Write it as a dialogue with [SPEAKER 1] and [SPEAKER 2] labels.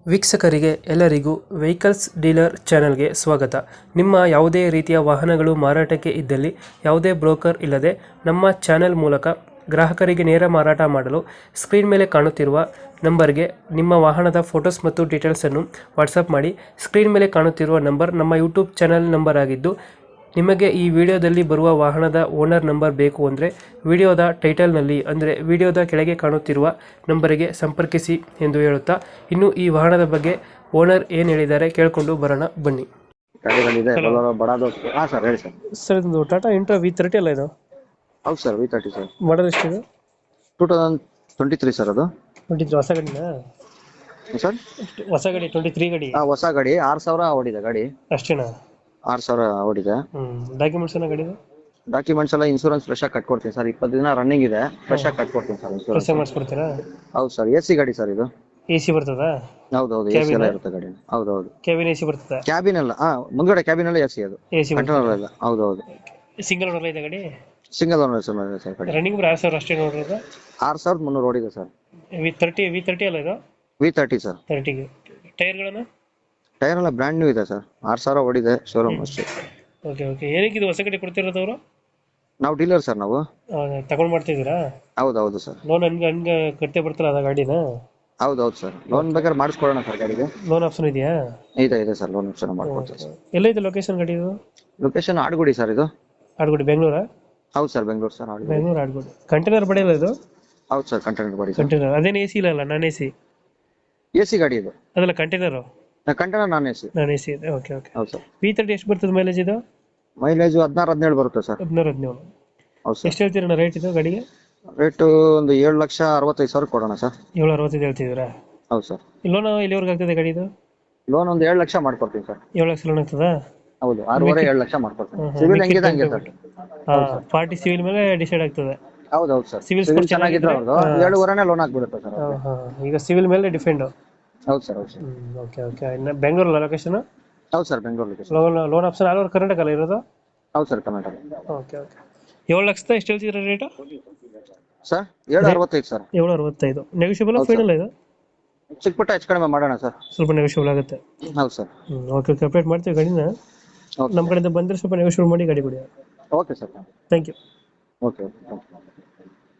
[SPEAKER 1] ವೀಕ್ಷಕರಿಗೆ ಎಲ್ಲರಿಗೂ vehicles dealer ಚಾನೆಲ್ಗೆ ಸ್ವಾಗತ. ನಿಮ್ಮ ಯಾವುದೇ ರೀತಿಯ ವಾಹನಗಳು ಮಾರಾಟಕ್ಕೆ ಇದ್ದಲ್ಲಿ ಯಾವುದೇ ಬ್ರೋಕರ್ ಇಲ್ಲದೆ ನಮ್ಮ ಚಾನೆಲ್ ಮೂಲಕ ಗ್ರಾಹಕರಿಗೆ ನೇರ ಮಾರಾಟ ಮಾಡಲು ಸ್ಕ್ರೀನ್ ಮೇಲೆ ಕಾಣುತ್ತಿರುವ ನಂಬರ್ಗೆ ನಿಮ್ಮ ವಾಹನದ ಫೋಟೋಸ್ ಮತ್ತು ಡೀಟೇಲ್ಸನ್ನು ವಾಟ್ಸಪ್ ಮಾಡಿ. ಸ್ಕ್ರೀನ್ ಮೇಲೆ ಕಾಣುತ್ತಿರುವ ನಂಬರ್ ನಮ್ಮ ಯೂಟ್ಯೂಬ್ ಚಾನೆಲ್ ನಂಬರ್ ಆಗಿದ್ದು, ನಿಮಗೆ ಈ ವಿಡಿಯೋದಲ್ಲಿ ಬರುವ ವಾಹನದ ಓನರ್ ನಂಬರ್ ಬೇಕು ಅಂದರೆ ವಿಡಿಯೋದ ಟೈಟಲ್ನಲ್ಲಿ ಅಂದರೆ ವಿಡಿಯೋದ ಕೆಳಗೆ ಕಾಣುತ್ತಿರುವ ನಂಬರಿಗೆ ಸಂಪರ್ಕಿಸಿ ಎಂದು ಹೇಳುತ್ತಾ, ಇನ್ನು ಈ ವಾಹನದ ಬಗ್ಗೆ ಓನರ್ ಏನು ಹೇಳಿದ್ದಾರೆ ಕೇಳಿಕೊಂಡು ಬರೋಣ ಬನ್ನಿ.
[SPEAKER 2] ಗಾಡಿಗಳಿದೆ
[SPEAKER 1] Hello.
[SPEAKER 2] ಬೊಲೊರೋ ಬಡಾದು. ಹಾ ಸರ್ ಹೇಳಿ ಸರ್.
[SPEAKER 1] ಸರ್ ಇದು ಟಾಟಾ ಇಂಟ್ರಾ V30 ಅಲ್ಲ ಇದು?
[SPEAKER 2] ಹೌದು ಸರ್ V30 ಸರ್.
[SPEAKER 1] ಮಾಡಲ್ ಎಷ್ಟಿದೆ?
[SPEAKER 2] 2023 ಸರ್ ಅದು.
[SPEAKER 1] 23 ಹೊಸ ಗಾಡಿನಾ
[SPEAKER 2] ಸರ್
[SPEAKER 1] ಹೊಸ ಗಾಡಿ 23 ಗಾಡಿ
[SPEAKER 2] ಹೊಸ ಗಾಡಿ 6000 ಓಡಿದೆ ಗಾಡಿ.
[SPEAKER 1] ಅಷ್ಟೇನಾ?
[SPEAKER 2] 6000 ಓಡಿದೆ.
[SPEAKER 1] ಡಾಕ್ಯುಮೆಂಟ್ಸ್ ಏನೋ ಗಾಡಿದು?
[SPEAKER 2] ಡಾಕ್ಯುಮೆಂಟ್ಸ್ ಎಲ್ಲ ಇನ್ಶೂರೆನ್ಸ್ ಫ್ರೆಶ್ ಆಗಿ ಕಟ್ಕೊಡ್ತೀನಿ ಸರ್. 20 ದಿನ ರನ್ನಿಂಗ್ ಇದೆ, ಫ್ರೆಶ್ ಆಗಿ ಕಟ್ಕೊಡ್ತೀನಿ ಸರ್ ಇನ್ಶೂರೆನ್ಸ್.
[SPEAKER 1] ಕೆಲಸ ಮಾಡಿಸ್ಕೊಡ್ತೀರಾ?
[SPEAKER 2] ಹೌದು ಸರ್. AC ಗಾಡಿ ಸರ್ ಇದು.
[SPEAKER 1] AC ಬರ್ತದಾ?
[SPEAKER 2] ಹೌದೌದು AC ಎಲ್ಲ ಇರುತ್ತೆ ಗಾಡಿ. ಹೌದೌದು.
[SPEAKER 1] ಕ್ಯಾಬಿನ್ AC ಬರ್ತದಾ?
[SPEAKER 2] ಕ್ಯಾಬಿನ್ ಎಲ್ಲ ಮುಂದ್ಗಡೆ ಕ್ಯಾಬಿನ್ ಎಲ್ಲ AC ಅದು.
[SPEAKER 1] AC
[SPEAKER 2] ಕಂಟ್ರೋಲ್ ಎಲ್ಲ. ಹೌದೌದು.
[SPEAKER 1] ಸಿಂಗಲ್ ಓನರ್ ಇದೆ ಗಾಡಿ?
[SPEAKER 2] ಸಿಂಗಲ್ ಓನರ್ ಸರ್ ಗಾಡಿ.
[SPEAKER 1] ರನ್ನಿಂಗ್ 6000 ಅಷ್ಟೇ ನೋಡಿರೋದು?
[SPEAKER 2] 6300 ಓಡಿದೆ ಸರ್.
[SPEAKER 1] V30 ಅಲ್ಲ ಇದು?
[SPEAKER 2] V30 sir.
[SPEAKER 1] 30ಗೆ ಟೈರ್ಗಳನ್ನು?
[SPEAKER 2] ಟೈರ್ ಎಲ್ಲ ಬ್ರ್ಯಾಂಡ್ ನ್ಯೂ ಇದೆ ಸರ್. 6000 ಓಡಿದೆ ಶೋರೂಮ್ ಅಷ್ಟೇ.
[SPEAKER 1] Okay okay. ಏನಕ್ಕೆ ಇದು ಹೊಸ ಗಾಡಿ ಕೊಡ್ತಿರೋದು ಅವರು?
[SPEAKER 2] ನಾವು ಡೀಲರ್ ಸರ್ ನಾವು.
[SPEAKER 1] ತಗೊಂಡ್ ಮಾಡ್ತಿದ್ದೀರಾ?
[SPEAKER 2] ಹೌದೌದು ಸರ್.
[SPEAKER 1] ಲೋನ್ ಹಂಗೆ ಕಟ್ಟೆ ಬರ್ತಲ್ಲ ಅದ ಗಾಡಿನ?
[SPEAKER 2] ಹೌದೌದು ಸರ್. ಲೋನ್ ಬೇಕಾದ್ರೆ ಮಾಡಿಸ್ಕೊಡೋಣ ಸರ್ ಗಾಡಿಗೆ.
[SPEAKER 1] ಲೋನ್ ಆಪ್ಷನ್ ಇದೆಯಾ?
[SPEAKER 2] ಇದೆ ಸರ್. ಲೋನ್ ಆಪ್ಷನ್ ಮಾಡ್ಕೊಡ್ತೀವಿ ಸರ್.
[SPEAKER 1] ಎಲ್ಲೈತೆ ಲೊಕೇಶನ್ ಗಾಡಿ ಇದು?
[SPEAKER 2] ಲೊಕೇಶನ್ ಆಡ್ಗುಡಿ ಸರ್ ಇದು.
[SPEAKER 1] ಆಡ್ಗೋಡಿ ಬೆಂಗಳೂರಾ?
[SPEAKER 2] ಹೌದು sir Bengaluru sir. Adugodi.
[SPEAKER 1] Bengaluru Adugodi. Container ಬಡಿಯಲ್ಲ ಇದು?
[SPEAKER 2] ಹೌದು ಸರ್ ಕಂಟೈನರ್ ಗಾಡಿ ಸರ್.
[SPEAKER 1] ಕಂಟೈನರ್ ಅದೇನು AC ಇಲ್ಲ ನಾನ್ AC?
[SPEAKER 2] AC ಗಾಡಿ ಇದು.
[SPEAKER 1] ಅದಲ್ಲ container?
[SPEAKER 2] Container non AC.
[SPEAKER 1] Non AC ಇದೆ. Okay okay.
[SPEAKER 2] ಹೌದು ಸರ್.
[SPEAKER 1] V30 ಎಷ್ಟು ಬರ್ತದೆ ಮೈಲೇಜ್ ಇದು?
[SPEAKER 2] ಮೈಲೇಜ್ 16-17 ಬರುತ್ತೆ ಸರ್.
[SPEAKER 1] 16-17.
[SPEAKER 2] ಹೌದು ಸರ್.
[SPEAKER 1] ಎಷ್ಟು ಹೇಳ್ತೀರಣ್ಣ ರೇಟ್ ಇದು ಗಾಡಿಗೆ?
[SPEAKER 2] ರೇಟು ಒಂದು 7,65,000 ಕೊಡೋಣ ಸರ್.
[SPEAKER 1] 760 ಹೇಳ್ತಿದ್ದೀರಾ?
[SPEAKER 2] ಹೌದು ಸರ್.
[SPEAKER 1] ಲೋನ್ ಎಲ್ಲಿವರೆಗೆ ಆಗ್ತದೆ ಗಾಡಿ ಇದು?
[SPEAKER 2] ಲೋನ್ ಒಂದು 7 ಲಕ್ಷ ಮಾಡ್ಕೊಡ್ತೀನಿ ಸರ್.
[SPEAKER 1] 7 ಲಕ್ಷ ಲೋನ್ ಆಗ್ತದಾ?
[SPEAKER 2] ಹೌದು 6.5 7 ಲಕ್ಷ ಮಾಡ್ಕೊಡ್ತೀನಿ. ಸಿವಿಲ್ ಹೆಂಗಿದೆ ಹಂಗೆ ಸರ್.
[SPEAKER 1] ಪಾರ್ಟಿ ಸಿವಿಲ್ ಮೇಲೆ ಡಿಸೈಡ್ ಆಗ್ತದೆ.
[SPEAKER 2] ಹೌದೌದು ಸರ್.
[SPEAKER 1] Civil
[SPEAKER 2] ಸಿವಿಲ್
[SPEAKER 1] score
[SPEAKER 2] ಚೆನ್ನಾಗಿದ್ರೆ
[SPEAKER 1] ಚೆನ್ನಾಗಿದ್ರೆ,
[SPEAKER 2] ಅವ್ರದ್ದು 7.5 ಲೋನ್ ಆಗ್ಬಿಡುತ್ತೆ ಸರ್.
[SPEAKER 1] ಈಗ ಸಿವಿಲ್ ಮೇಲೆ ಡಿಫೆಂಡ್.
[SPEAKER 2] ಹೌದು ಸರ್. ಹೌದು ಸರ್.
[SPEAKER 1] Okay okay. ಇನ್ನು ಬೆಂಗಳೂರಲ್ಲ ಲೊಕೇಶನ್?
[SPEAKER 2] ಹೌದು sir Bengaluru location.
[SPEAKER 1] Loan option all over Karnataka ಅಲ್ಲ ಇರೋದು?
[SPEAKER 2] ಹೌದು ಸರ್ ಕರ್ನಾಟಕ.
[SPEAKER 1] Okay okay. 7 ಲಕ್ಷದ ಎಷ್ಟು ಹೇಳ್ತಿದ್ರೆ ರೇಟ್
[SPEAKER 2] ಸರ್? 7.65 ಸರ್.
[SPEAKER 1] 765. ನೆಗೋಷಿಯಬಲ್
[SPEAKER 2] ಹೌದು
[SPEAKER 1] ಫೈನಲ್ ಇದು?
[SPEAKER 2] ಚಿಕ್ಕ ಪುಟ್ಟ ಹೆಚ್ಚು ಕಡಿಮೆ ಮಾಡೋಣ ಸರ್.
[SPEAKER 1] ಸ್ವಲ್ಪ ನೆಗೋಷಿಯಬಲ್ ಆಗುತ್ತೆ.
[SPEAKER 2] ಹೌದು ಸರ್.
[SPEAKER 1] Okay okay. ಅಪ್ಡೇಟ್ ಮಾಡ್ತೀವಿ ಗಾಡಿನ.
[SPEAKER 2] ಓಕೆ
[SPEAKER 1] ನಮ್ಮ ಕಡೆಯಿಂದ ಬಂದರೆ ಸ್ವಲ್ಪ ನೆಗೋಷಿಯಬಲ್ ಮಾಡಿ ಗಾಡಿ ಕೊಡಿ.
[SPEAKER 2] Okay sir.
[SPEAKER 1] Thank you.
[SPEAKER 2] Okay okay.